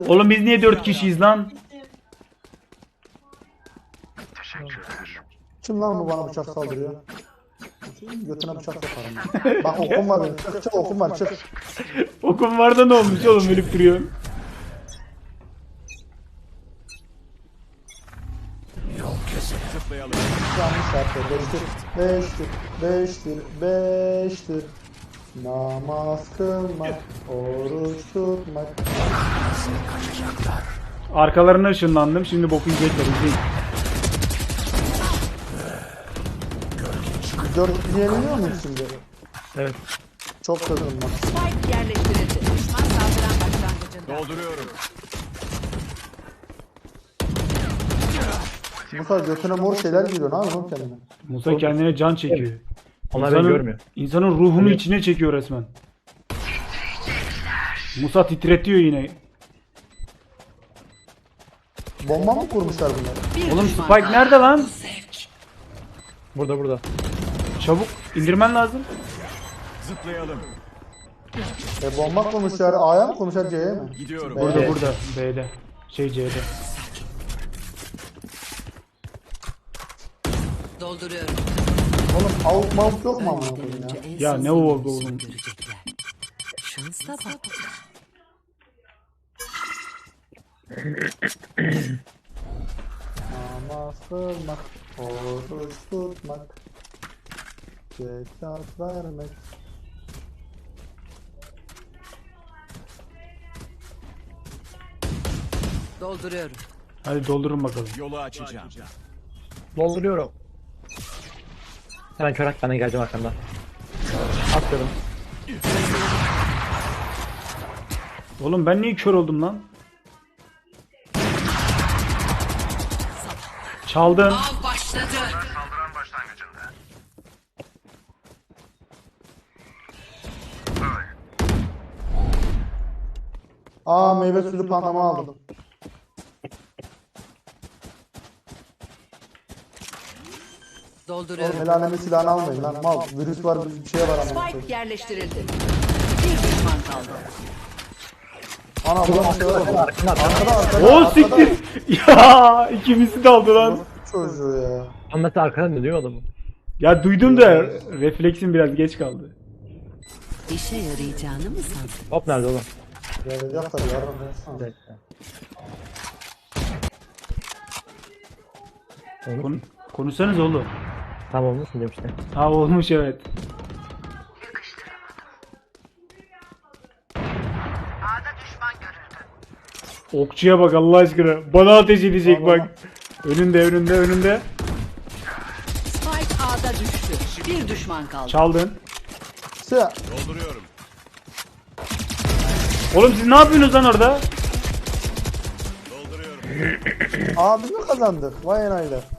Oğlum biz niye 4 kişiyiz lan? Kim lan bu bana bıçak saldırıyor? Götüne bıçak sokarım. Bak okum var benim. Çık çık okum var çık. Okum var da ne olmuş oğlum, ölüp duruyor. Yanlış yaptı. Beştir. Namaz kılmak, oruç tutmak. Arkalarına ışınlandım, şimdi boku yiyecekler, izleyin. 4 yeniliyor muyum şimdi? Evet. Çok kızdım bak. Spike yerleştirildi. Düşman saldıran başlangıcında. Dolduruyorum. Bu kadar götüne mor şeyler giriyor. Ne yapıyorsun kendine? Musa kendine can çekiyor. Onlar beni görmüyor. İnsanın ruhunu içine çekiyor resmen. Musa titretiyor yine. Bomba mı kurmuşlar bunlar? Bir Oğlum düşman Spike kaldı. nerede lan? Burada. Çabuk indirmen lazım. Zıplayalım. Bomba kurmuşlar. A'ya mı kurmuşlar C'ye mi? Gidiyorum. B'ye. Burada B'de. C'de. Dolduruyorum. Oğlum avuk mavuk yok mu amına koyayım ya? Ya ne oldu oğlum? Şansa bak. Namaz kılmak, oruç tutmak, zekat vermek. Dolduruyorum. Hadi doldurun bakalım. Yolu açacağım. Dolduruyorum. Hemen çorak ben de geleceğim arkandan. Atıyorum. Oğlum ben niye kör oldum lan? Çaldın. Av başladı. Aa meyve suyu panama aldım. Dolduruyorum. El alemin silahını almayın lan mal. Virüs var bir şey var amına koyayım. Spike yerleştirildi. Bir düşman kaldı. Ana bu şey var. Arkada O siktir. Ya ikimizi de aldı lan. çocuğu ya. Ama mesela arkadan dönüyor adamı. Ya duydum da refleksim biraz geç kaldı. İşe yarayacağını mı sandın? Hop nerede oğlum? Yarayacak tabii yarın. Konuşsanız oğlum. Tamam olmuş mu demişti. Ha olmuş evet. Okçuya bak Allah aşkına. Bana ateş edecek bak. Önünde. Spike A'da düştü. Bir düşman kaldı. Çaldın. Siyah. Dolduruyorum. Oğlum siz ne yapıyorsunuz lan orada? Dolduruyorum. Aa biz mi kazandık? Vay enaylar.